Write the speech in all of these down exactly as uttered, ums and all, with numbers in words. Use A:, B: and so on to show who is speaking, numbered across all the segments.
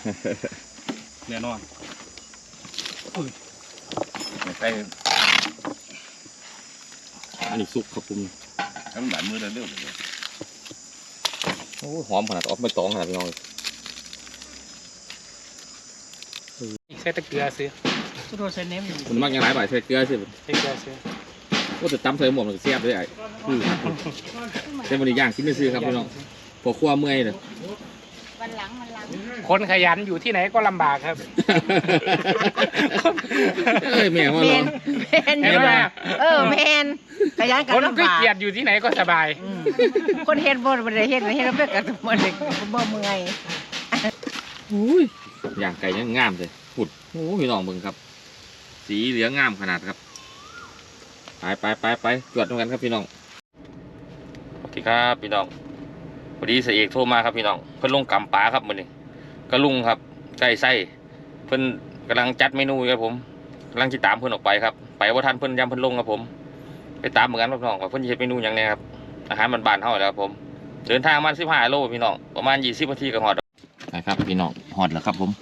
A: แน่นอน
B: ใส่
C: อันนี้ซุปครับผม
B: น้ำหวานมือเร็วๆเลย
C: โอ้หอมขนาดออกไม่ตองขนาดพี่น้อง
A: ใส่ตะเกียบซื้อสุดโต่งใส่เน้มอยู่
C: มันมักยังไงบ่ายใส่เกลือสิ
A: ใส่เกลือซื้อ
C: ก็จะจำใส่หมวกมันเสียบเลยไอ้เส้นบะหมี่ย่างกินไม่ซื้อครับพี่น้องพอครัวเมื่อยเลย
D: วันหลังวันหลัง
A: คนขยันอยู่ที่ไหนก็ลำบากครับ
C: เอ้ยแม่ว่าเรา
D: แมนแมนเออแมนขยันกันลำบากคน
A: ขี้เกียจอยู่ที่ไหนก็สบาย
D: คนเฮ็ดบ่ได้เฮ็ดเฮ็ดแล้วเพื่อกันบ่ได้บ่เมื่อย
C: อุ้ยย่างไก่ยังงามเลยผุดโอ้พี่น้องมึงครับสีเหลืองงามขนาดครับไปไปไปไปตรวจกันครับพี่น้องสวัสดีครับพี่น้องพอดีเสียเอกโทรมาครับพี่น้องเพิ่นลงกำปลาครับมื้อนี้ก็ลุงครับไก่ไส้เพิ่นกำลังจัดเมนูครับผมกำลังติดตามเพิ่นออกไปครับไปว่าท่านเพิ่นยำเพิ่นลงครับผมไปตามเหมือนกันพี่น้องว่าเพิ่นจะเฮ็ดเมนูอย่างไรครับอาหารบ้านๆเฮาแล้วครับผมเดินทางมาสิบห้าโลพี่น้องประมาณยี่สิบนาทีก็ฮอดครับพี่น้องฮอดแล้วครับผม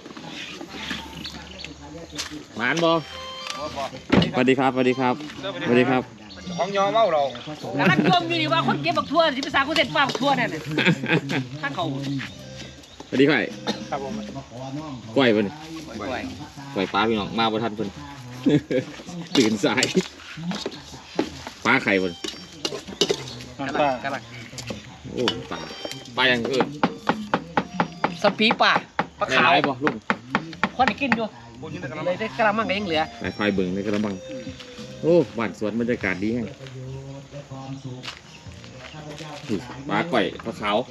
C: หมานบ่สวัสดีครับสวัสดีครับสวัสดีครับ
A: ของยอเมาเรา
D: กำลังชมอยู่นี่ว่าคนเก็บบักทั่วที่ภาษาคนเด็ดป้าบักทั่วนั่นน่ะท่านเขา
C: สวัสดีครับ
A: ครับผม
C: กล้วยเพิ่นกล้วยกล้วยปลาพี่น้องมาบ่ทันเพิ่นตื่นสายปลาไข่เพิ่น
A: ปลากระลัง
C: โอ้ปลาปลาอย่างอื่น
D: สปีป่าปลาขาว
C: บ่ลุง
D: คนได้กินอยู่เลยได้กระมังก็ยังเหลือ
C: ไอ้ควายเบิ่งในกระมังโอ้บ้านสวนบรรยากาศดีแฮงปลาก่อยปลาขาว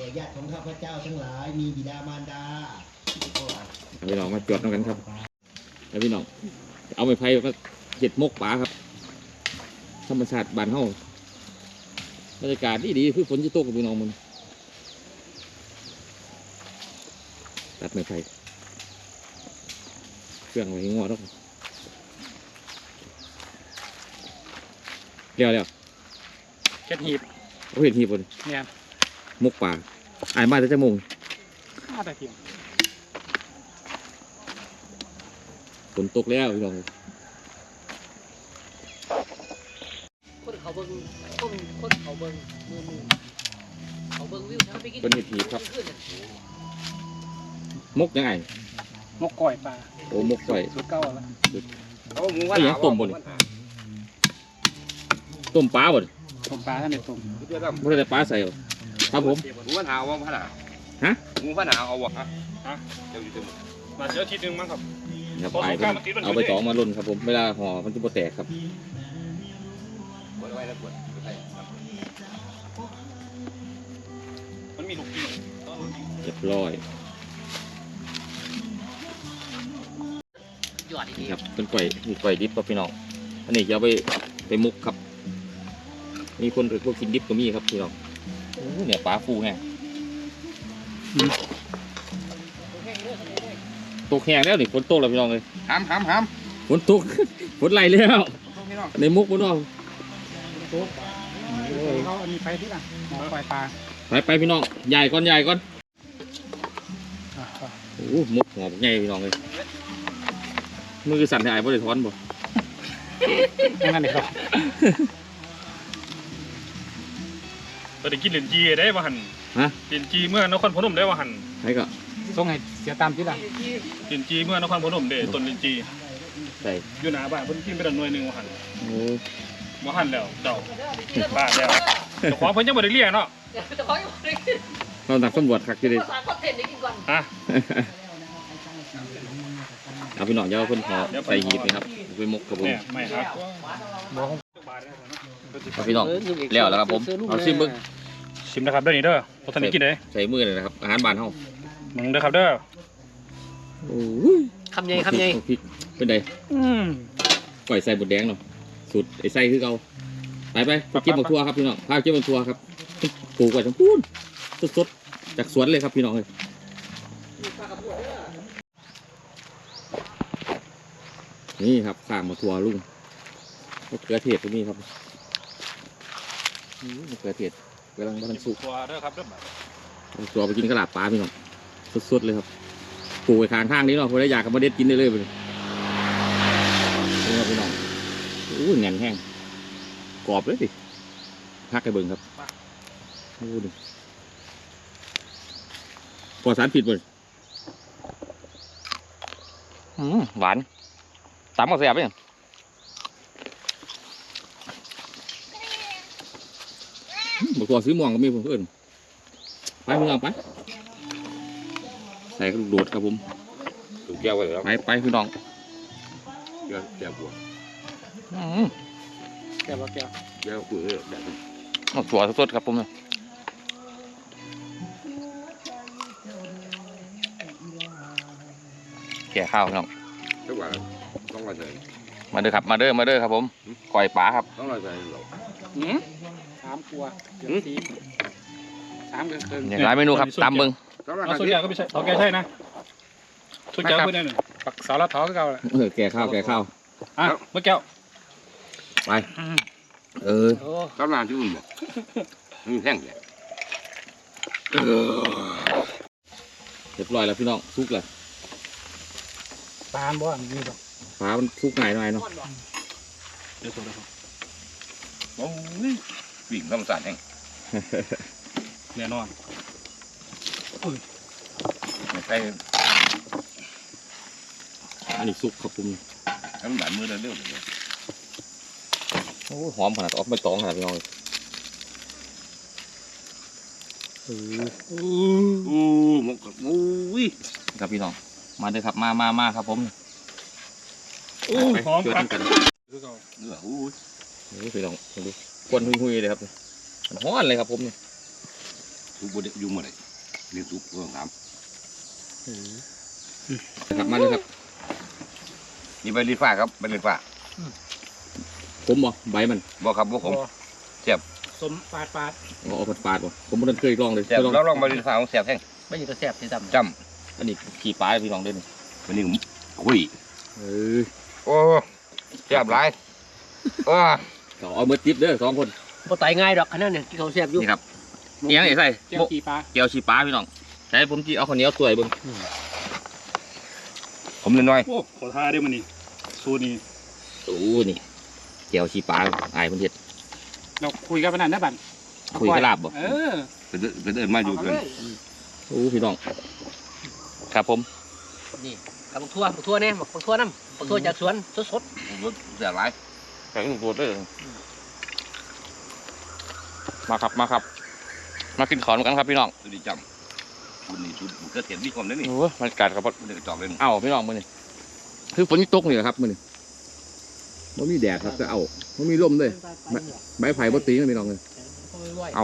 C: พี่น้องมาจวดน้องกันครับแล้วพี่น้องเอาไม้ไผ่ก็เห็ดมกปลาครับธรรมชาติบ้านเฮาบรรยากาศดีดีคือฝนจะตกกับพี่น้องมันตัดไม้ไผ่เครื่องไว้ให้งอแล้วเรียวเรียว
A: เก็ดหีบ
C: เขาเห็นหีบบน
A: เนี่ย
C: มกป่าอายมาแต่จะมง
A: มาแต่เที่ยง
C: ฝนตกแล้วพี่น้อง
D: คนเขาเบิ้งคนคนเขาเบิ้งมือมือเขาเบิ้งวิวทั้งไปกิน
C: เป็นเห็ดหีบครับมกยังไง
A: มกก่อยปลา
C: โอ้มกก่อย
A: สุดเก้าแล้ว
C: เอาหมูว่าต้มบนต้มปลาบน
A: ต้มปลาท่านเด็ดต้ม
C: ไม่ได้ปลาใส่ครับผม
B: หมูพันหาวว่าพันหา
C: ฮะ
B: หมูพันหาเอาวะฮะ
A: ฮะเดี๋ยวอยู่ตรงมาเยอะทีนึงมั้งครับ
C: เอาไปเอาไปสองมาลุ่นครับผมเวลาห่อมันจะโปแตกครับ
A: มันมีลูกปี
C: เรียบร้อยครับเป็นไก่มีไก่ดิบครับพี่น้องอันนี้จะเอาไปไปมุกครับมีคนพวกกินดิบก็มีครับพี่น้องเนี่ยปลาฟูไงตกแห้งแล้วนี่ฝนตกแล้วพี่น้องเลย
B: ห้ามห้ามห้าม
C: ฝนตกฝนไหลแล้วในมุกพี่น้อง
A: เขาอันนี้ไปที่ไหนหมอปล่อยปลา
C: ไปไปพี่น้องใหญ่ก่อนใหญ่ก่อนโอ้มุกหอมใหญ่พี่น้องเลยมือสั่นให้ไอ้บ่ได้ถอนบ่
A: นั่นเองครับเราได้กินเหรียญจีได้ว่าหัน
C: ฮะ
A: เหรียญจีเมื่อนครพนมได้ว่าหัน
C: ใช่ก็
A: ส่งให้เสียตามที่ละเหรียญจีเมื่อนครพนมเด้ต้นเหรียญจี
C: ใช่
A: อยู่หน้าบ้านเพิ่นกินไปดันหน่วยหนึ่งว่าหัน
C: โอ้
A: ว่าหันแล้วเดาบ้านแล้วแต่ของเพิ่นยังบ่ได้เรียกเนาะ
C: เราหนักตำรวจขักอยู่ดิ
A: ฮะ
C: เอาพี่น้องเยาคนขอใส่หีบนะครับไปมกกับผม
A: ไม่ครับ
C: เอาพี่น้องแล้วแล้วครับผมเอาชิมบึ้ง
A: ชิมนะครับเด้อนี่เด้อพอท่านกินเลย
C: ใส่มือเลยนะครับอาหารบ้านเฮา
A: มึงเด้อครับเด้อ
C: โอ้ย
D: คำใหญ่คำใหญ่
C: เป็นไงก่อยใส่บดแดงเนาะสุดไอ้ไส้คือเก่าไปไปไปเก็บบักทั่วครับพี่น้องพาเก็บบักทั่วครับปลูกไว้ทั้งพูนสดๆจากสวนเลยครับพี่น้องเลยนี่ครับข้างมาทัวลุงมะเขือเทศตรงนี้ครับมะเขือเทศกำลังกำลังสุก
A: ทัวเด้อครับเด้อ
C: ตัวไปกินกระลาปลาพี่น้องสดๆเลยครับปลูกไว้ข้างทางนี้เนาะพอได้อยากกับมาเด็ดกินได้เลยไปเลยนี่ครับพี่น้องอู้แน่นแห้งกรอบเลยสิพักให้เบิ่งครับอู้ดิปลอดสารพิษเลยอืมหวานตำกับแซ่บเลยบอกตัวซื้อม่วงก็มีเพื่อนไปพี่น้องไปใส่กระดูกโดดครับผม
B: ถูกแก้วไว้แล้ว
C: ไปไปพี่น้อง
B: แก้วแก้วบัว
C: อืม
D: แก้วแก้ว
B: แก้วปุ๋ยแบบนี้
C: เอาตัวสดๆครับผมเนี่ยแก่ข้าวพี่น้อง
B: ทุกวันต้องมาใส่
C: มาเด้อครับมาเด้อมาเด้อครับผมก่อยป๋าครับ
B: ต้องมาใส่หรอ
D: หืมสามตัวเกือบสี่สามเกินเกิน
C: อย่างไรเมนูครับตามเบิ้ง
B: ต้องมา
A: เอา
B: ใส่
A: ส่วนใหญ่ก็ไม่ใช่เอาแกใช่นะส่วนใหญ่ก็ไม่ได้หนึ่ง
D: ปักเสาละท้อก็เก่าแหละ
C: เออแก่ข้าวแก่ข้าว
A: อ่ะเมื่อแก้ว
C: ไปเออ
D: โอ้
B: ต้องมาที่อุ่นบ่มีแท่งเลย
C: เรียบร้อยแล้วพี่น้องซุกเลย
A: ตาลบ่มีบ่
C: ฟ้ามันซุกง่ายหน่อยเนาะ
A: เดี๋ยวโซ่เลยครับ
B: โอ้ยวิ่งธรรมศาสตร์แห้ง
A: แน่นอน
B: ใส่
C: อันนี้ซุกครับผม
B: น้ำหวานมือเร็วเลย
C: โอ้หอมขนาดออกไม่ตองขนาดพี่น้องเออ
B: อู้หมกอู้ย
C: ครับพี่น้องมาเด้อครับมามามาครับผม
A: อู้หอม
C: ช่วย
A: ครับ
C: กัน
A: คือเก่า
B: เนื้ออู้ย
C: นี่พี่น้องดูควันหุยๆเลยครับมันฮ้อนเลยครับผมเนี่ย
B: ทุกบดยุ่งหมดเลยเรียนทุกเรื่องน้
C: นะครับมาเลยครับ
B: ำนี่ใบลิ้นฟ้าครับใบลิ้นฟ้า
C: ผมบ่ใบมัน
B: บอกครับบอกผม
D: สมปาดปาด
C: เอาเอาฝาดๆบ่ผมไม่ได้เคยลองเลย
B: แซ่บ
C: เคยลอง
B: เราลองใบลิ้นฟ้าของแซ่บแห้ง
D: ไม่อยู่ตัวแสบที่ดำ
B: จ
C: อันนี้ขี่ปลาพี่น้องเด้นี่
B: ำวันนี้ผมคุย
C: เออ
B: โอ้แซ่บหลายโอ้
C: ก็เอามือจิบเด้อสองคน
D: พอไตง่ายดอกขนาดเนี่ยที่เขาแสบอยู่
C: นี่ครับเอียงนี่ใส่
D: แก้วขี่ปลา
C: เกี๊ยวชีปลาพี่น้องใส่ผมจีเอาข้าวเหนียวตัวยเบิ่ง
B: ผมน้อย
A: โอ้ขอท่าได้มันนี่สูตรนี้
C: โอ้นี่เกี๊ยวชีปลาอายเพิ่นเฮ็ด
D: เราคุยกันขนาดนั้นบัน
C: คุยกระลาบบ่
D: เออ
B: ๆเป็นเป็นเอิญมาอยู่กัน
C: โอ้พี่น้องครับผม
D: นี่กับบักทั่วบักทั่วเนี่ยบักทั่วน้ำบักทั่วจากสวนสด
B: แซ่บหลาย
C: แข็งตัวเด้อมาครับมาครับ มากินขอนกันครับพี่น้อง
B: ตัวนี้จำคุณนี่ชุดมันก็เห็นมีความนั่นนี่
C: โอ้ยมันกัดครับ
B: มันจะจอกเลย
C: เอ้าพี่น้องมื้อนี้คือฝนตกนี่แหละครับมื้อนี้บ่มีแดดครับก็เอาบ่มีลมเลยใบไผ่บ่ตีนะพี่น้องเลย เอา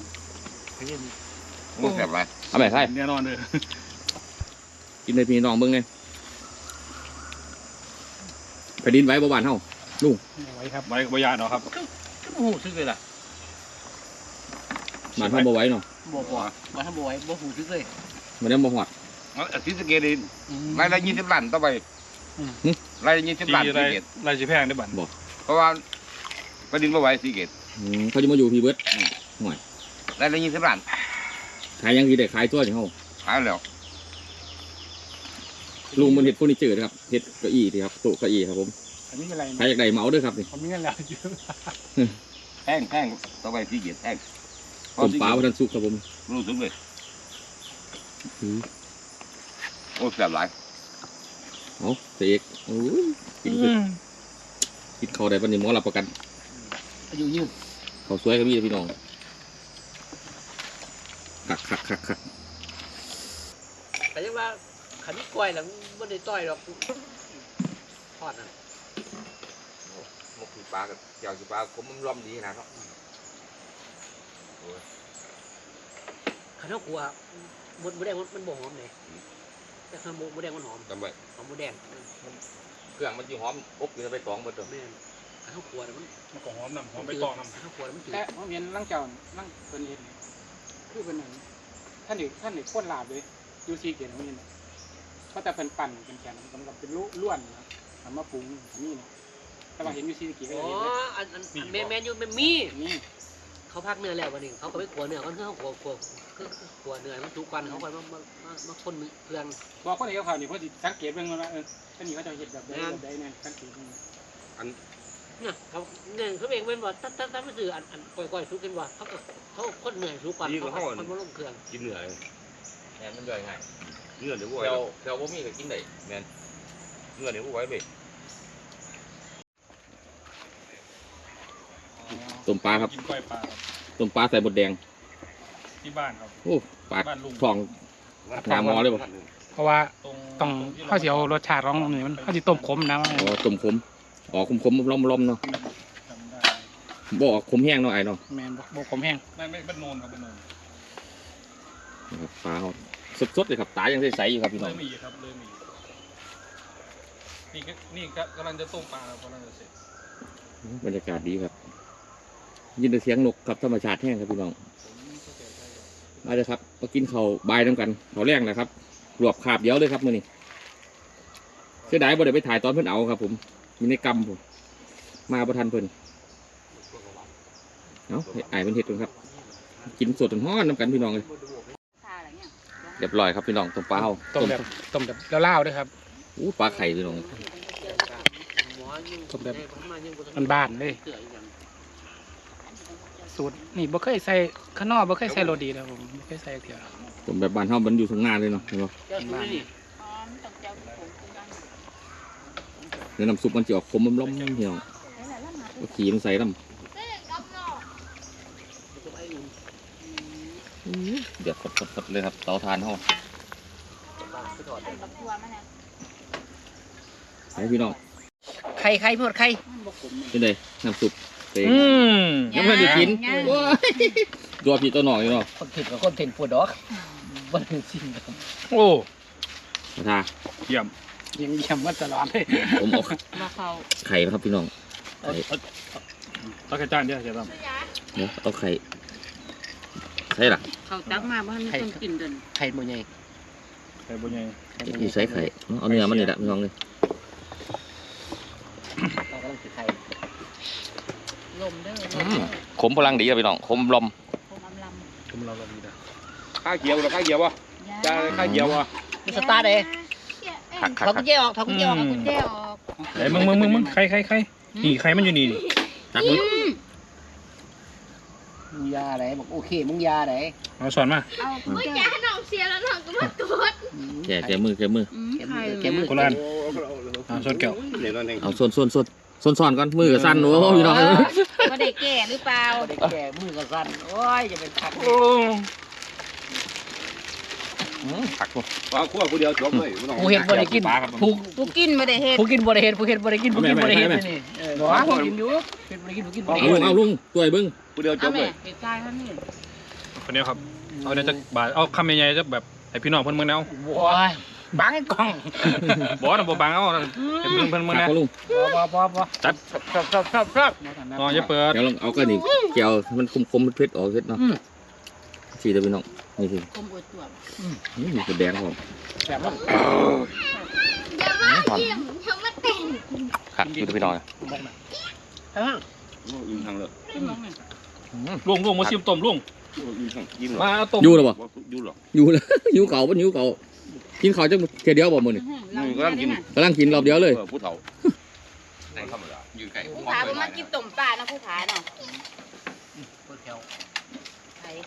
B: มันแซ่บหลาย
C: เอาไปใส่
A: แน่นอนเลย
C: กินในพี่น้องเบิ่งไงแผ่นดินไหว้บ่บ้านเฮา
A: ไว้ครับไว้ไว้ยาเนาะครับ
D: ๆก็หูซึกเลยล่ะ
C: บ้านเฮาบ่ไหว้เนาะ
D: บ่บ่มาทำบ่ไหวบ่หูซึกเลย
C: มันยังบ่ฮอด
B: อาทิตย์สเกตดิรายละยี่สิบล้านต่อไปรายละยี่สิบ
A: ที่
B: ล้าน
A: ไร
B: สีเกต
A: ไรจีแพงได้บัตร
B: เพราะว่าประดินมาไหวสีเกต
C: อืมเขาจะมาอยู่พี่เบิด
B: รายละยี่สิบล้าน
C: ขายยังสิได้ขายตัวจังเฮา
B: หายแล้ว
C: ลุงมันเฮ็ดเฟอร์นิเจอร์นะครับเฮ็ดเก้าอี้นี่ครับโต๊ะเก้าอี้ครับผม
D: อันนี้อะไร
C: ใครอยากได้เหมาเด้อครับนี่
D: ผมมีเงินแล้วเยอะ
B: แพงแพงต่อไปสีเกตแพง
C: ต้มปลาบ่ทันสุกครับผม
B: รู้สึกเลยโอ้แซ่บหลาย
C: เอาเสกโอ้ยกินคือกินข้าวได้ปานนี้หมอรับประกัน
D: อายุยืน
C: ข้าวสวยก็มีเด้อพี่น้องคักคักคักคัก
D: แต่ยังว่าขันนี้กล้วยแล้วไม่ได้ต้อยหรอกทอดน่ะ
C: มกขี้ปลากับเจียวขี้ปลาผมมันร่อมดีนะเนาะ
D: ขันเท้ากลัวมดมดแดงมันบ่หอมเลยแต่ขันมดแดงมันหอม
C: จำไว้
D: หอมมดแดง
C: เครื่องมันสิหอมอบอยู่ในใบตองเบิดเด้อ
D: แม่นขันเท้ากลัวมัน
A: มันก็หอมน้ำหอมไปตองน้ำ
D: ขันเท้ากลัวมันจืด
E: แต่ผมเห็นร่างเจ้าร่างเป็นเห็นคือเป็นหนึ่งท่านอีกท่านอีกโคตรลาบเลยยูซีเกียรติผมเห็นเพราะแต่เป็นปั่นเป็นแกนสำหรับเป็นล้วนนะทำมาปรุงอันนี้นะแต่ว่าเห็นยูซีเกียรติก็
D: อ๋อ
E: เห็นเลย
D: อันอันแมนแมนอยู่แมนมี
E: นี่
D: เขาพักเนื้อแล้ววันนี้เขาก็ไปขัวเนื้อเขาเนื้อขัวขัวคือขัวเนื้อมันทุกวันเขาก็มามามามาคนเครื่อง
E: บอกคนที่เขาเนี่ยเพราะสังเกตเบิ่งว่าเออท่านนี้เขาจะเห็นแบบใดแบบใดเนี่ยสังเกต
D: เนี่ยเขาเนี่ยเขาเองเป็นว่าตั้งตั้งตั้งไม่สื่ออันอันก่อยก่อยทุกกันว่าเขาก็เขาคนเหนื่อยทุกวันเขาคนมาลงเครื่อง
B: กินเนื้อ
C: แม่นมันย่อยง่าย
B: เนื้อเดี๋ยวบ่ไหว
C: เดี๋ยวเดี๋ยวบ่มีก็กินได้แม่น
B: เนื้อเดี๋ยวบ่ไหวเว้ย
C: ต้มปลาครับ
A: กินกล้อยปลาครับ
C: ต้มปลาใส่บดแดง
A: ที่บ้านครับ
C: โอ้ปลา
A: บ้านลุง
C: ทอง หาหมอเลยบ่
E: เพราะว่า
A: ตรง
E: ต้อง
A: ที่
E: ข้าวเสียวรสชาติของมันมันข้าวจีต้มขมนะ
C: อ๋อต้มขมอ๋อขมขมล้อมล้อมๆเนาะ
A: จำได้
C: บ่ออกขมแห้งเนาะไอ้เนาะ
E: แมนบกขมแห้ง
A: ไม่ไม่บ้านโนนครับบ้านโนน
C: นะครับปลาเขาสดๆเลยครับตายังใสๆอยู่ครับพี่น้
A: เริ่
C: อง
A: มมีครับเริ่มมีนี่ก็นี่ก็กำลังจะต้มปลาครับกำลังจะเสร็จ
C: บรรยากาศดีครับ ยินแต่เสียงนกครับธรรมชาติแห้งครับพี่น้อง
A: ผมเข้าใจได้ครับ
C: มาเลยครับมากินข้าวบายน้ำกันข้าวแรงนะครับรวบขาบเดียวเลยครับมื้อนี้เสียดายบ่ได้ไปถ่ายตอนเพิ่นเอาครับ ผมมีในกรรมผมมาบ่ทันเพิ่นเอ้าให้อ้ายเพิ่นเฮ็ดกันครับ กินสดร้อนๆน้ำกันพี่น้องเลยเรียบร้อยครับพี่น้องต้มปลาเฮา
E: ต้มแบบต้มแบบเล่าๆด้วยครับ
C: อู้ปลาไข่พี่น้อง
E: ต้มแบบบ้านๆเลยสูตรนี่บ่เคยใส่ข้างนอกบ่เคยใส่โรดีนะผมบ่เคยใส่เถียว
C: ต้มแบบบ้านเฮามันอยู่ทางหน้าเลยเนาะเห็นบ่
D: เจ้าชู้นี่
C: เนื้อน้ำซุปมันจะออกขมล้อมๆพี่น้องเอาขี้มันใส่น้ำเดือดสดๆเลยครับเตาถ่านเฮาไปพี่น้อง
D: ไข่ไข่หมดไข่
C: เป็นไงน้ำซุปเต็ม
A: อืม
C: ยังไม่ได้กินตัวพี่ตัวน้องอยู่เนาะ
D: คนถิ่นกับคนถิ่นปวดดอกบ้านจริงครับ
A: โอ้
C: มาทา
A: เยี่ยม
E: ยังเยี่ยมมาตลอดเลย
C: ผมเอา
F: มาเขา
C: ไข่นะครับพี่น้องไข่
A: เอาแค่จานเดียวเดี๋ยวท
C: เดี๋ยวเอาไข่ใช่หรอ
F: เขาตักมาบ้านไม่ต้องกินเดิน
D: ไข่หมดไง
A: ำใส่บุญใหญ่
C: อีใส่ไข่เอาเนื้อมันนี่แหละพี่น้องเลย
D: เรากำลังถือไข่
F: ลมเด้อ
C: ขมพลังดีครับพี่น้องขมลม
F: คมอำล
A: ผมเราเราดีนะ
B: ข้าวเกี๊ยวหรือข้าวเกี๊ยววะ
F: ำ
B: จ้าข้าวเกี๊ยววะ
D: มีสตาร์ทเลย
C: ขักขัก
D: ถอด
C: ขั
D: กุ
C: ก
D: ญแจออกถอดกุญแจออก
F: กุญแจออก
A: ไอ้มึงมึงมึงมึงใครใครใครนี่ใครมันอยู่นี่นี่
C: ตักมือ
D: มึงยาไหนบอกโอเคมึงยาไหน
A: เอาสอนมา
F: เอากุญแจ
G: น้องเสียแล้วน้องก็มาตรวจ
C: แกะแกะมือแกะมือ
F: อืม
D: แก
F: ไข่
D: มือแกมือ
A: โคราชเอาสอนแก้ว
B: เดี๋ยวนั่นเอง
C: เอาส่วนส่วนส่วนส่วนส่อนก่อนมือกับสั้นโอ้พี่น้อง
F: ว่าได้แก่หรือเปล่า
D: เด็กแก่มือก็สั่นโอ้ยจะเป็นขัก
C: ขักพวก
B: ว่าขั้วผู้เดียวจบเลย
D: ผู้เห็นบ่ได้กินผู้
F: ผู้กินไม่ได้เฮ็ด
D: ผู้กินบ่ได้เห็นผู้เห็นบ่ได้กินผู้กินบ่ได้เห็นนี่เออหรอผู้กินอยู่เห็นบ่ได้กินผู้กินบ่ได้
C: เอาลุงเอาลุงตัวไอ้เบิ้ง
B: ผู้เดียวจ
F: เอา
B: บเล
F: แม่
B: ย
F: เฮ็ดใจท่านนี่
A: คนนี้ครับเอาเนี่ยจะบาทเอาคำใหญ่ๆจะแบบไอพี่น้องเพิ่นเมืองแนว
D: โอ้ยบังกล้อง
A: บอสนะบอบังเอาไอเพิ่นเพิ่นเมือง
C: ขั
A: แน
C: ก
A: ว
C: ก็ลุง
E: พอพอพอ
A: จัด
E: ชอบชอบชอบชอบ
A: นอนอย่าเปิด
C: เดี๋ยวลองเอากันนี่แก้วมันคมคมๆเผ็ดๆออกเผ็ดเนาะสีเด้อพี่น้องนี่สิ
F: คมอวดตัว
C: นี่มีกระแดงผม
E: แบบว่า
G: อย่ามาเยี่ยมอย่ามาแต่ง
C: ขักอยู่เด้อพี่น้อง
B: ยิ้มทางเลย
F: ขึ้นน้องนี่
A: ลุงลุงมาชิมต้มลุง
B: ยิ้มทางยิ้มหรอ
A: มาเอาต้ม
C: อยู่หรอบ่
B: ยิ้มหรอ
C: อยู่แล้ว หิวเก่าบ่หิวเก่ากินข้าวจังเทียเดียวบ่มื้อนี่
F: เรา
B: ก็ต้องกิน
C: กำลังกินรอบเดียวเลย
B: ผู้เฒ่าในธรรมดายืนไก่
F: ผู้ขาบ่มากินต้มปลานะผู้ขาเนาะ
D: คนแถว
F: ไข่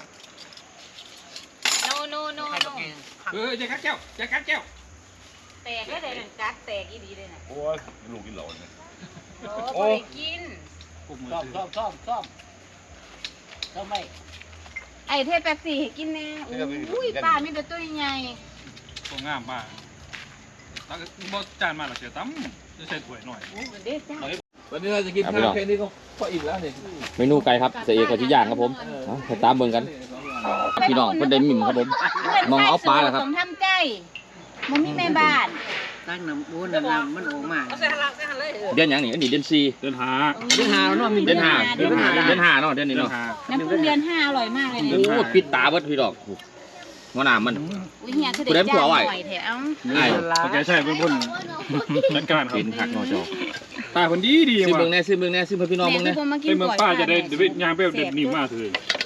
F: โนโนโน
D: ใคร
F: โน
D: ก็กิน
A: เอออย่ากัดแก้วอย่ากัดแก้ว
F: แตกแล้วได้นั่นกัดแตกอีดีเลยน่ะ
B: โอ้ยลูกกินเหล้าเนี่ย
F: โอ้บ่ได้กิน
D: ชอบชอบชอบชอบชอบไหม
F: ไอ้เทพแป๊บซี่ให้กินแน่อุ้ยปลามีแต่ตัวใหญ่
A: ตัวงามมากแล้วก็บอจานมาหรอเสียตั้มจะใส่ถ้วยหน่อย
F: โอ้เด็ดจ้า
C: วันนี้เราจะกินข้าวแค่นี้ก็พออิ่มแล้วนี่เมนูไก่ครับเสียเอกกับที่ย่างครับผมเอาไปตามเบิ่งกัน พี่น้องเพิ่นได้มิ่มครับผม มองเอาปลาเหรอครับ
F: ผมทำใจมันมีแม่บ้าน
D: ตั้งน้ำบูน้ำน้ำมันออกมา
F: เอาใส่หันหลังใส่หันเลย
C: เดือนหยังนี่อันนี้เดือนสี่
A: เดินหา
C: เดือนห้าเนาะมีเดือนห้าเดือนห้าเดือนห้าเนาะเดือนนี้
A: เดิน
C: เนาะ
A: หา
F: น้ำพึ่งเดือนห้าอร่อยมากเลยเนี่ย
C: โอ้ปิดตาเบิดพี่ดอกหัวหน้ามัน
F: อุ้ยเฮียคือ
C: ผู้ใด
F: เด็ก
C: ผั
F: จ้าว
C: ไหว
F: หน่อยแถว
C: ไอ้
A: โอเคใช่เป็นพุ่นนักการครับ
C: กินหักเนาะเจ้า
A: ตาคนดีดี
C: ซื้อ
A: ว่ะ
C: เบิ่งแน่ซื้อเบิ่งแน่ซื้อเพื่อพี่น้อง
F: แม่
C: เบิ่ง
F: คือ
C: แน่
F: บ่มากิ
A: ไป
F: น
A: เมือง
F: ก่อย
A: ป้าจะได้
F: แม่
A: เดี๋ยวย่างไปเด็ดหนีมาเถอะ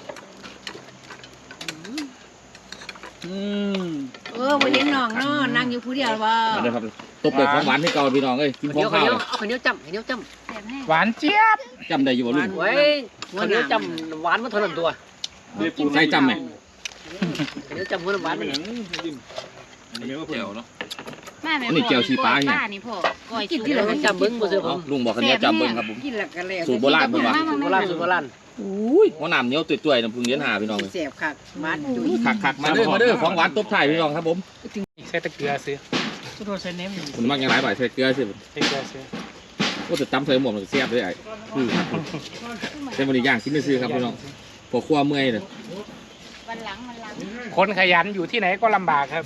E: อืม
F: เออบ่เห็นน้องเนาะนั่งอยู่ผู้เดียวบ่
C: มาเด้อครับตบด้วยของหวานให้เก่าพี่น้องเอ้ยกินข
D: เดี๋
C: อย ง
D: วข้า
C: ข้าว ว
D: เหนียวเอาข้าวเหนียวจ้ำข้าวเหนียวจ้
F: แซ่บแห้ง
E: หวานเจี๊ยบ
C: จำได้อยู่บ่ลุง
D: ำเว้ยข้าวเหนียวจ้ำหวานมันเท่านั้นตัว
C: ใส่จำไหม
D: ข้าวเหนียวจ้ำหัวน้ำหวานมัน
A: อันนี้ว่าเพิ่น
C: เจียวเนาะ
F: มาแม่
C: อันนี้แจ่วชีปลาเนี่ย
F: นี่พ่อก้อย
D: กิน
F: สุก
D: ที่เราจ้ำเบิ้งบ่เสือผ
C: เอาลุงบอกคันนี้จำเบิ่งครับผม
F: กินแล้วก็แล้ว
C: สูตรโบราณเพิ่นว่า
D: สูตรโบราณสูตรโบราณ
C: อุ้ยหัวหนามเหนียวตุ่ยๆน้ำพึ่งเลี้ยนหาพี่น้องเลย
F: แซ่บคักมาจุย
C: คักๆมาเด้อมาเด้อของหวานตบท้ายพี่น้องครับผม
E: ใส่ตะเกียบซื้อสุดโทษใส่เน้ม
C: คุณมักยังหลายบ่ายใส่เกลือสิ
E: ใส่เกลือซื้อ
C: ก็จะจำใส่หมวกมันก็เสียบเลยไอ้คือครับเป็นบริย่างกินไม่ซื้อครับพี่น้องพอครัวเมื่อยเลย
F: วันหลังวันหลัง
E: คนขยันอยู่ที่ไหนก็ลำบากครับ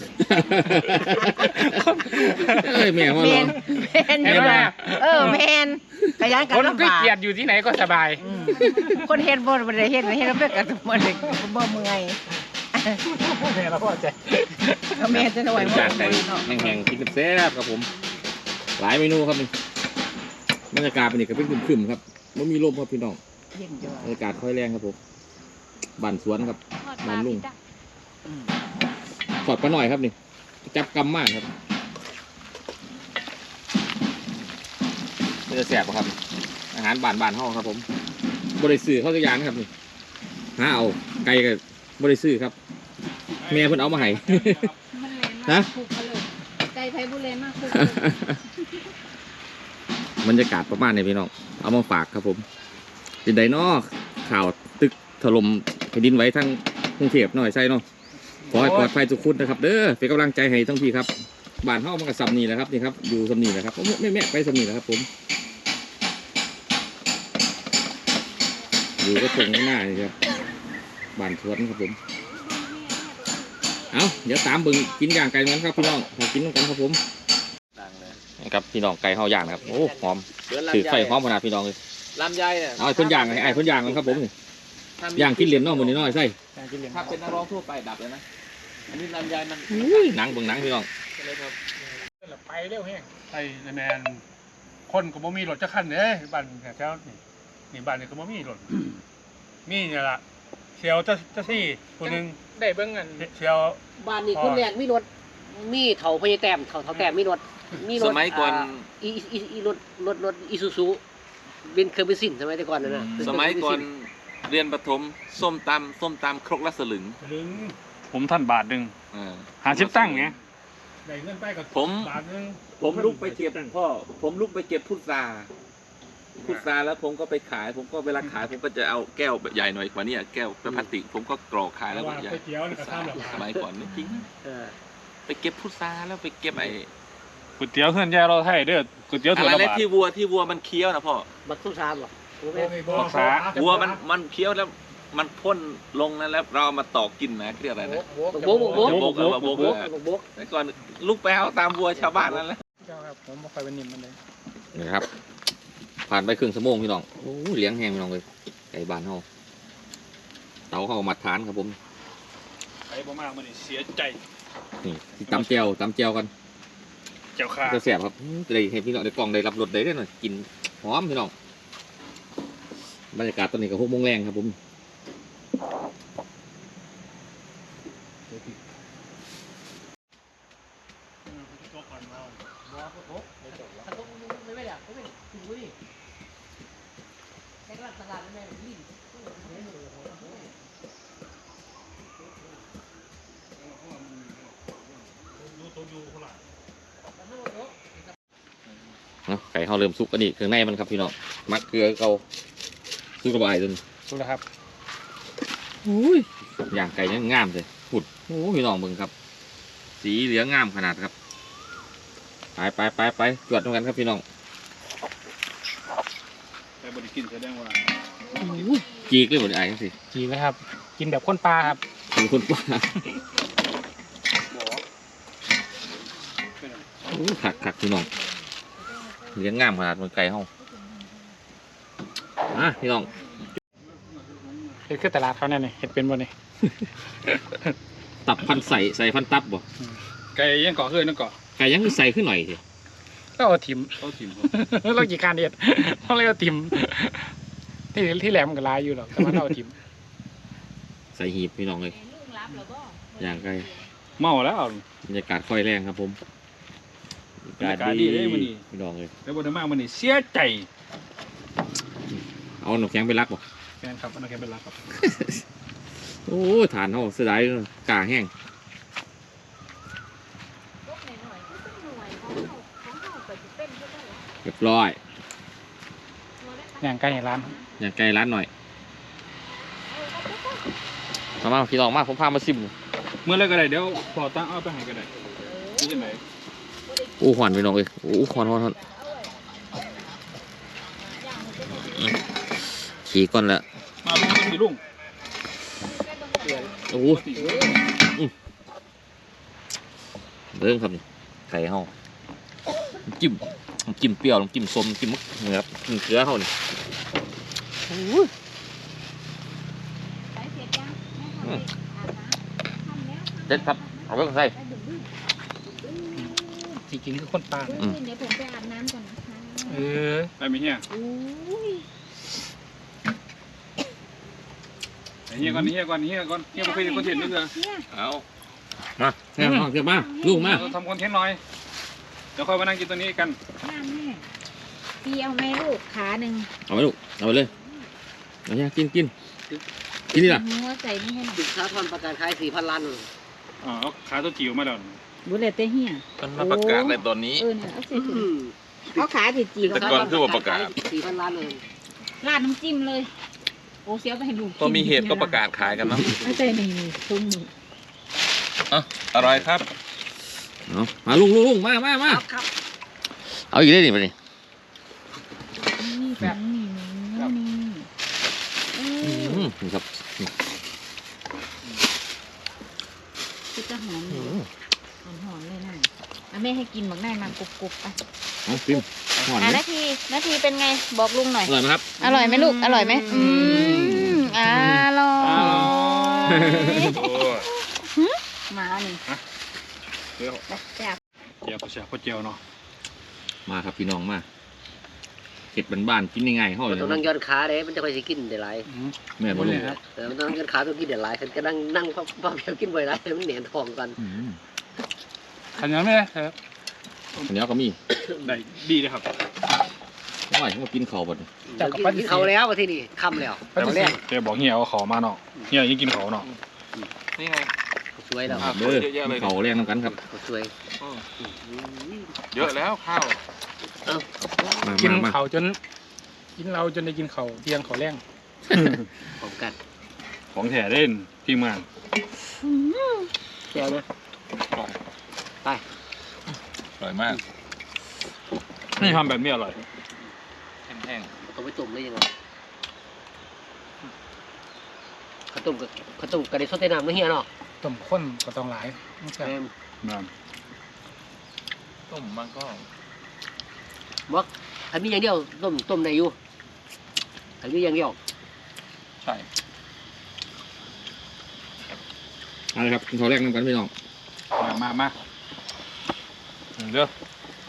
C: เอ้ยแม่มาลอง
F: แม่นอยู่นะเออแม่นขยันกัน
E: คน
F: ลำ
E: ขี้
F: บาก
E: เกียจอยู่ที่ไหนก็สบาย
F: อืมคนเฮ็ดบ่บ่ได้เฮ็ดเฮ็ดแล้วเป็นกันบ่ได้บ่เมื่อย
E: แม่เราก็ใจ
F: ก็แม่จะหน่อย
C: เป็น
F: บ่
C: จานไก่
F: เนาะ
C: แห้งๆกินแซ่บครับผม หลายเมนูครับนี่บรรยากาศเป็นอีกก็เป็นครึมๆครับไม่มีลมครับพี่น้อง
F: เย็นจ้ะ
C: บรรยากาศค่อยแรงครับผมบ้านสวนครับบ้านลุงถอดปลาหน่อยครับนี่จับกำมากครับนี่จะแสบปะครับ อาหารบ้านบ้านๆเฮาครับผมบริสื่อเข้าตัวอย่างนะครับนี่หาเอาไก่กับบริสื่อครับแม่เพิ่นเอามาให้
F: มันแรงมาก
C: ฮะ
F: คุกเขาเลยไก่ไผบุเรนมากคุก
C: บรรยากาศประมาณนี้พี่น้องเอามาฝากครับผมเป็นไดนอข่าวตึกถล่มแผ่นดินไหวทั้งกรุงเทพหน่อยใช่เนาะขอให้ปลอดภัยทุกคนนะครับเด้อเป็นกำลังใจให้ทั้งพี่ครับบ้านเฮามันก็สำนีแหละครับนี่ครับอยู่สำนีแหละครับแม่แม่ไปสำนีแหละครับผมอยู่ก็ตรงหน้านี่ครับบ้านสวนครับผมเอาเดี๋ยวตามเบิ่งกินย่างไก่กันครับพี่น้องมากินกันครับผมนี่ครับพี่น้องไก่เฮาย่างนะครับโอ้หอมถือไฟหอมขนาดพี่น้องเลย
D: ลำไยเนี่ย
C: เอาไอ้เพิ่นย่างไอ้ไอ้เพิ่นย่างกันครับผมนี่ย่างกินเหรียญเนาะมื้อนี้เนาะใช่
E: การกินเหรียญ
C: ถ้าเป็นนักร้องทั่วไปดับเลยนะ
D: อันนี้ลำไยมัน
C: อุ้ยหนังเบิ่งหนังพี่น้อง
E: ไปเร็วแห้ง
A: ไอ้แมนคนก็บ่มีรถจักคันเด้บ้านแถวนี่นี่บ้านนี่ก็บ่มีรถมีเนี่ยล่ะเชียวจะจะซี่คนนึง
E: ได้เบิ้งเงิน
A: เชียว
D: บ้านนี้คนแรกมีรถมีเถาพญาแต้มเถาเถาแต้มมีรถมีรถ
C: สมัยก่อน
D: าอีอีอีรถรถรถอีซูซูเป็นเครื่องเป็นสินสมัยแต่ก่อนนั่นน่ะ
C: สมัยก่อนเรียนประถมส้มตำส้มตำครกละสลึง
A: ลึงผมท่านบาทหนึง
C: เออ
A: หาชิปตั้งไงได้เงินไปกับ
C: ผม
A: บาทหนึง
C: ผมลุกไปเก็บพ่อผมลุกไปเก็บพุทราพุทราแล้วผมก็ไปขาย ผมก็เวลาขายผมก็จะเอาแก้วแบบใหญ่หน่อยกว่านี้แก้วพลาสติกผมก็กรอกขายแล้ว
A: ว่า
C: ก็ใหญ่
A: ก๋วยเตี๋ยวนี่ก็ทำแบบ
C: สมัยก่อนนี่จริง
D: เออ
C: ไปเก็บพุทราแล้วไปเก็บไอ้
A: ก๋วยเตี๋ยวเฮือนแย่เราไทยเด้อก๋วยเตี๋ยว
C: อะ
A: ถั่ว
C: ไร
A: ละ
C: นะ
A: บาท
C: ที่วัวที่วัวมันเคี้ยวนะพ่อ
D: บักสุชาบ่รู้ไหม
A: บักษา
C: วัวมันมันเคี้ยวแล้วมันพ่นลงนั้นแล้วเราเอามาตอกกินนะเรียกอะไรนะ
D: บักโบกบักโบก
C: จะบกเออมาบก
D: บัก
C: เออ
D: โบกบักโบก
C: แต่ก่อนลูกไปเอาตามวัวชาวบ้านนั่นแหละ
E: เจ้าครับผมไม่ค่อยเป็นนิ่มมันเลย
C: นี่ครับ ผ่านไปครึ่งชั่วโมงพี่น้องโอ้เลี้ยงแห้งพี่น้องเลยไก่บ้านเฮาเตาเฮามาทานครับผม
A: ไอ้บ่มากมันนี่เสียใจ
C: นี่ที่ตำแจวตำแจวกัน
A: เจ้าค่ะ
C: จะแสบครับเลยเห็นพี่น้องในกล่องได้รับรสได้ด้วยหน่อยกินหอมพี่น้องบรรยากาศตอนนี้ก็หกโมงแรงครับผมเนาะไก่เขาเริ่มสุกกันอีกเครื่องในมันครับพี่น้องมักเกลือเขาสุกระบายจน
E: สุดแล้วครับ
C: อย่างไก่เนี่ยงามเลยผุดโอ้พี่น้องมึงครับ สีเหลืองงามขนาดครับไปไปไปไปตรวจตรงกันครับพี่น้อง
A: ไปบริกินแสดงว่า
C: จีกเลยหมดไอ้ทั้งสิ
E: จีไหมครับ กินแบบข้นปลาครับ
C: เป็นคนป่าโอ้ขักขักพี่น้องเหลืองงามขนาดมันไก่เฮาอ่ะพี่น้อง
E: เห็ดคือตลาดเขาเนี่ยนี่เห็ดเป็นบ่นี่
C: ตับพันใส่ใส่พันตับบ่
A: ไก่ยังเกาะเคยนั่นเกาะ
C: ไก่ยังคือใส่ขึ้นหน่อยสิ
E: เราเอาถิ่ม
A: เขาถิ่ม
E: เรากี่การเด็ดเราเลยเอาถิ่มที่ที่แหลมกับลายอยู่หรอกแต่ว่าเราเอาถิ่ม
C: ใส่หีบพี่น้องเลย
F: ลูกรับเหรอบ่
C: อย่างไกล
A: เมาแล้ว
C: บรรยากาศค่อยแรงครับผม
A: บรรยากาศดีเลยมื้อนี้
C: พี่น้องเลย
A: แล้วบ่ได้มามื้อนี้เสียใจ
C: เอาหนูแข็งไปรักบ่
E: แฟนครับอันนั้นแกเป็นรักครับ
C: โอ้ฐานเขาเสียดายกาแห้ง
F: ลูกหน่อยๆก็เป็นหน่วยของเราของเราก็สิเป็นก็ได้
C: เรียบร้อย
E: อย่างใกล้ร้าน
C: อย่างไกลร้านหน่อยมามาพี่น้องมาผมพามาซิม
A: เมื่อไรก็ได้เดี๋ยวพอตั้งเอาไปให้ก็ได้นี่จังได๋
C: โอ้หวานพี่น้องเลยโอ้หวานหวานหวานขี่ก่อนละ
A: มาลุงสิลุง
C: โอ้โหอื้อเริ่มครับนี่ไข่เฮาน้ำจิ้มน้ำจิ้มเปรี้ยวน้ำจิ้มส้มน้ำจิ้มมะเขือครับน้ำเกลือเฮานี่
F: ใส่เสร็จยังแม่ทำเองอาบน้ำทำแล้ว
C: เด็ดครับเอาไว้ก่อนใส่
F: ไปดึง
E: จริงๆคือคนป่า
F: ๆ
C: อืม
F: เดี๋ยวผมไปอาบน้ำก่อนนะคะ
E: เออ
A: ไปมีเฮีย
F: อุ้ย
A: ไอ้เฮียก่อนเฮียก่อนเฮียก่อนเฮียบ่เคยเห็นคอนเทนต์นี่เลย
F: เนี่ย
B: เอา
C: มาแง่มาเก็บมาลูกมา
A: เราทำคอนเทนต์หน่อยเดี๋ยวค่อยมานั่งกินตัวนี้กัน
F: น้ำแม่พี่เอาไหมลูกขาหนึ่ง
C: เอาไปลูกเอาไปเลยเอาเนี่ยกินกินกินนี่ล่ะ
F: หัวใส่นี่ให้หน่อย
D: ดึกค้าทอนประกันขายสี่พันล้าน
A: อ๋อเอาขาตัวจิ๋วมาแล้ว
F: บุเรตเตเฮีย
B: มันมาประกาศในตอนนี้
F: เออเนี่ยเอาใส่ถุงเอาขาจีจี
B: แต่ก่อนคือว่าประกาศ
D: สี่พันล้านเลย
F: ราดน้ำจิ้มเลย โอ้เสียไปให้ลูก
B: พอมีเหตุก็ประกาศขายกันเนาะ
F: ไม่ใช่นี่นี่ทุ่งนี่
B: อร่อยครับ
C: เอามาลุงลุงลุงมามามา
D: ครับครับ
C: เอาอีกได้ดิมาดิ
F: นี่แบบนี่นี่นี่เอ
C: อื
F: อ
C: มนี่ครับ
F: คือจะหอมเลยหอมหอมเลยนะอ่ะแม่ให้กินบักได้มากรุบกรุบอ่ะ
C: เอาพิมหอน
F: อ่ะ
C: ไหม
F: นาทีนาทีเป็นไงบอกลุงหน่อย
C: อร่อยไหมครับ
F: อร่อยไหมลูกอร่อยไหมอืมอร่อยมาหนึ่ง
A: เดี๋ยว
F: แซ่บ
A: เจียวก็แซ่บก็เจียวเนาะ
C: มาครับพี่น้องมาเห็ดบ้านๆกินง่ายๆเฮาเลย
D: ต้องนั่งย้อนขาเด้มันจะค่อยสิกินได้หลาย
C: แม่บ่ลุง
D: เออมันต้องนั่งย้อนขาต้องกินได้หลายคันก็นั่งนั่งพ่อพ่อเพียวกินบ่อยหลายมันเหนียนทองกัน
C: อืม
E: ขันยังไหมครับ
C: อันนี้ก็มี
A: ได้ดีเลยครับ
C: อร่อยมากินข้าวบ่เนี่ย
D: กินเขาแล้วมาที่นี่ค่ำแล้ว
E: ปฏิเสธ
A: แกบอกเฮียเอาขอมาเนาะเฮียยังกินขอเนาะ
B: นี่ไง
D: สวยแล้ว
C: เด้อกินข้าวแรงน้ำกันครับ
D: สวย
B: เยอะแล้วข้าว
C: มา
E: กิน
C: มามา
E: เขาจน กินเราจนได้กินเขาเที่ยงเขาแรง
D: พร้อมกัน
A: ของแท้เล่นทีมงาน
E: แก้วเลย
D: ไป
B: อร่อยมาก
A: นี่ทำแบบนี้อร่อย
B: แห้ง
D: ต้องไปต้มเลยยังไงข้าวต้มกับข้าวต้มกระเด็นซดเต้น้ำไม่เฮียเนาะ
E: ต้มข้นก็ต้องหลายไม่ใช่
D: แม่น
A: นะ
B: ๆต้มมันก็
D: บอกอันนี้อย่างเดียวต้มต้มในอยู่อันนี้อย่างเดียว
B: ใช่
C: เอาละครับกินข้าวแรงน้ำกันพี่น้อง
A: มามามาเด้อ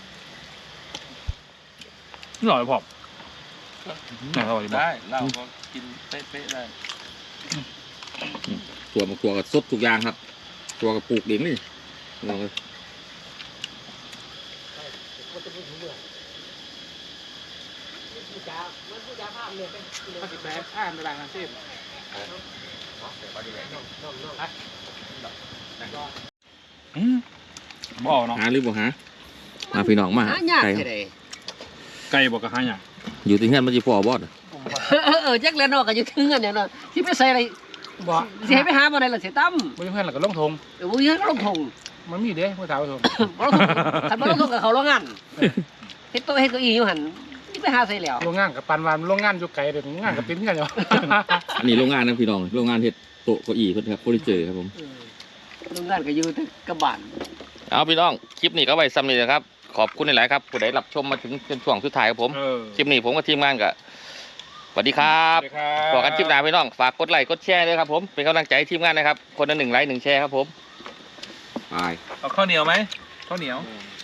A: นี่อร่อยพอนี่อร่อยบ่
B: ได้เราก็กินเป๊ะๆได้
C: ตัวมาตัวกับสดทุกอย่างครับ ตัวกับปลูกเองนี่พี่น้องเลย
E: ก็สิบแปดอ่านในรายงานเส้น
A: อืมบ่เอาเนาะ
C: หาหรือบ่หามาพี่น้องมา
D: หายาก
C: ไก่
D: แค่ไหน
A: ไก่บอกกับหาหยัง
C: อยู่ที่เฮือนมันจะพอบอส
D: เออเออแจ็คแล้วเนาะก็อยู่ถึงกันเนี่ยเนาะที่ไปใส่อะไร
E: บ่
D: สิให้ไปหาบ่ได้ล่ะเสียตั้ม
E: ไม่เพื่อนหรอกก็ลงทง
D: เดี๋ยวบ่เฮ็ดลงทง
E: มันมีเด้เมื่อเช้าทง
D: บ่ลงทงคันบ่ลงทงกับเขาโรงงานเฮ็ดโต๊ะเฮ็ดเก้าอี้อยู่หั่นนี่ไปหาใส่แล้ว
E: โรงงานกับปันวันโรงงานอยู่ไกลเดี๋ยวโรงงานกับติ้นกันอยู่
C: อันนี้โรงงานนะพี่น้องโรงงานเฮ็ดโต๊ะเก้าอี้เพิ่นครับเฟอร์นิเจอร์ครับผม
D: เออโรงงานก็อยู่ที่กระบาน
C: เอาพี่น้องคลิปนี้ก็ไว้ซ้ำนี้นะครับขอบคุณหลายๆครับผู้ใดรับชมมาถึงเป็นช่วงสุดท้ายครับผม
A: เออ
C: คลิปนี้ผมกับทีมงานก็สวัสดีครับ
A: สวัสดีครับ
C: บอกกันคลิปหน้าพี่น้องฝากกดไลค์กดแชร์ด้วยครับผมเป็นกำลังใจให้ทีมงานนะครับคนละหนึ่งไลค์หนึ่งแชร์ครับผมไป
B: เอาข้าวเหนียวไหมข้าวเหนียว
C: อืม